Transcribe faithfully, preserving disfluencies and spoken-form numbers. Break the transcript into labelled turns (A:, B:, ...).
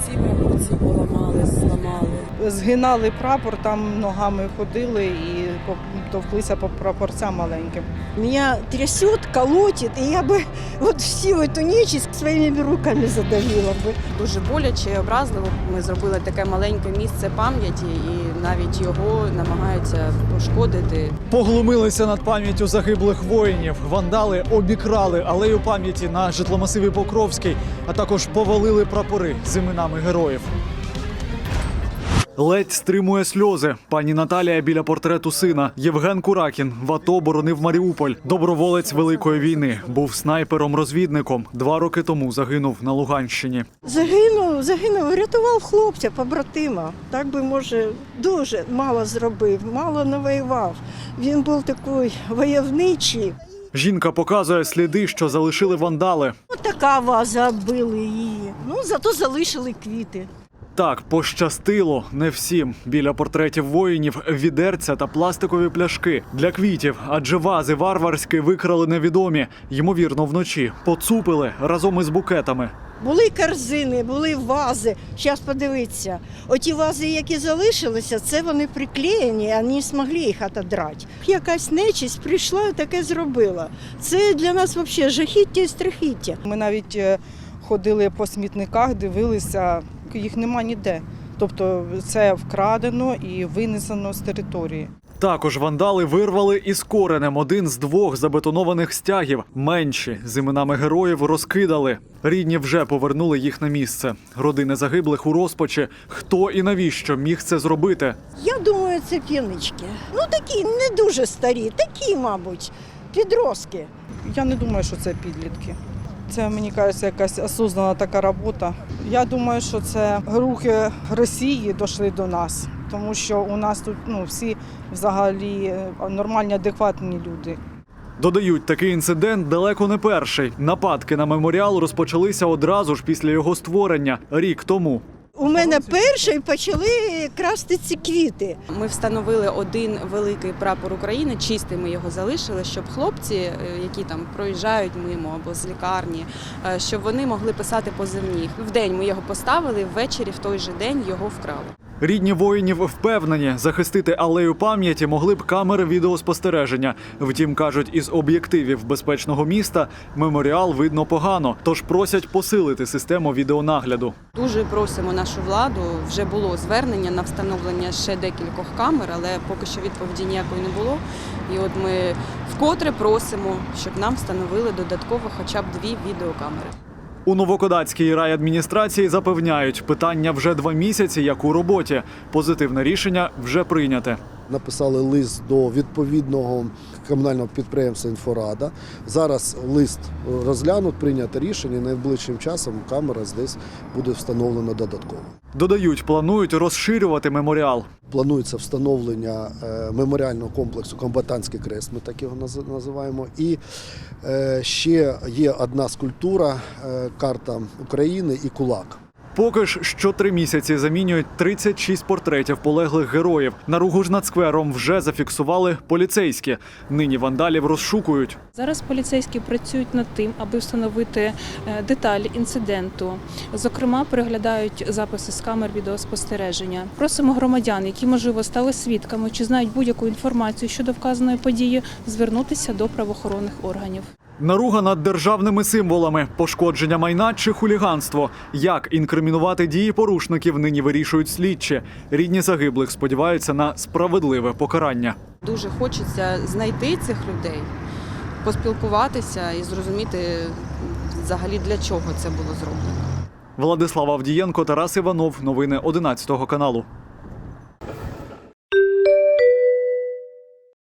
A: Всі, мабуть, ці поламали, зламали.
B: Згинали прапор, там ногами ходили і товклися по прапорцям маленьким.
C: Меня трясет, колотит, и я бы вот всю эту нечисть своими руками задавила бы.
A: Дуже боляче і образливо. Ми зробили таке маленьке місце пам'яті і навіть його намагаються пошкодити.
D: Поглумилися над пам'яттю загиблих воїнів. Вандали обікрали алею пам'яті на житломасиві Покровський, а також повалили прапори з іменами героїв. Ледь стримує сльози. Пані Наталія біля портрету сина. Євген Куракін в АТО боронив Маріуполь. Доброволець Великої війни. Був снайпером-розвідником. Два роки тому загинув на Луганщині.
C: Загинув, загинув, врятував хлопця, побратима. Так би, може, дуже мало зробив, мало навоював. Він був такий войовничий.
D: Жінка показує сліди, що залишили вандали.
C: Ось така ваза били її. Ну, зато залишили квіти.
D: Так, пощастило не всім. Біля портретів воїнів відерця та пластикові пляшки для квітів, адже вази варварські викрали невідомі, ймовірно, вночі. Поцупили разом із букетами.
C: Були корзини, були вази. Зараз подивіться. Оті вази, які залишилися, це вони приклеєні, а не змогли їх відібрати. Якась нечисть прийшла і таке зробила. Це для нас взагалі жахіття і страхіття.
B: Ми навіть е, ходили по смітниках, дивилися, їх нема ніде. Тобто це вкрадено і винесено з території.
D: Також вандали вирвали із коренем один з двох забетонованих стягів. Менші з іменами героїв розкидали. Рідні вже повернули їх на місце. Родини загиблих у розпачі. Хто і навіщо міг це зробити?
C: Я думаю, це п'янички. Ну такі, не дуже старі, такі, мабуть, підростки.
B: Я не думаю, що це підлітки. Це, мені кажеться, якась осознана така робота. Я думаю, що це рухи Росії дійшли до нас, тому що у нас тут ну, всі взагалі нормальні, адекватні люди.
D: Додають, такий інцидент далеко не перший. Нападки на меморіал розпочалися одразу ж після його створення, рік тому.
C: У мене перший почали красти ці квіти.
A: Ми встановили один великий прапор України, чистий ми його залишили, щоб хлопці, які там проїжджають мимо або з лікарні, щоб вони могли писати позивні. Вдень ми його поставили, ввечері в той же день його вкрали.
D: Рідні воїнів впевнені, захистити алею пам'яті могли б камери відеоспостереження. Втім, кажуть, із об'єктивів безпечного міста меморіал видно погано, тож просять посилити систему відеонагляду.
A: Дуже просимо нашу владу, вже було звернення на встановлення ще декількох камер, але поки що відповіді ніякої не було. І от ми вкотре просимо, щоб нам встановили додатково хоча б дві відеокамери.
D: У Новокодацькій райадміністрації запевняють, питання вже два місяці, як у роботі. Позитивне рішення вже прийняте.
E: Написали лист до відповідного комунального підприємства «Інфорада». Зараз лист розглянуть, прийнято рішення, і найближчим часом камера десь буде встановлена додатково.
D: Додають, планують розширювати меморіал.
E: Планується встановлення меморіального комплексу «Комбатантський крест», ми так його називаємо. І ще є одна скульптура, карта України і кулак.
D: Поки ж що три місяці замінюють тридцять шість портретів полеглих героїв. Наругу ж над сквером вже зафіксували поліцейські. Нині вандалів розшукують.
F: Зараз поліцейські працюють над тим, аби встановити деталі інциденту. Зокрема, переглядають записи з камер відеоспостереження. Просимо громадян, які, можливо, стали свідками чи знають будь-яку інформацію щодо вказаної події, звернутися до правоохоронних органів.
D: Наруга над державними символами, пошкодження майна чи хуліганство. Як інкримінувати дії порушників, нині вирішують слідчі. Рідні загиблих сподіваються на справедливе покарання.
A: Дуже хочеться знайти цих людей, поспілкуватися і зрозуміти взагалі, для чого це було зроблено.
D: Владислав Авдієнко, Тарас Іванов. Новини одинадцятого каналу.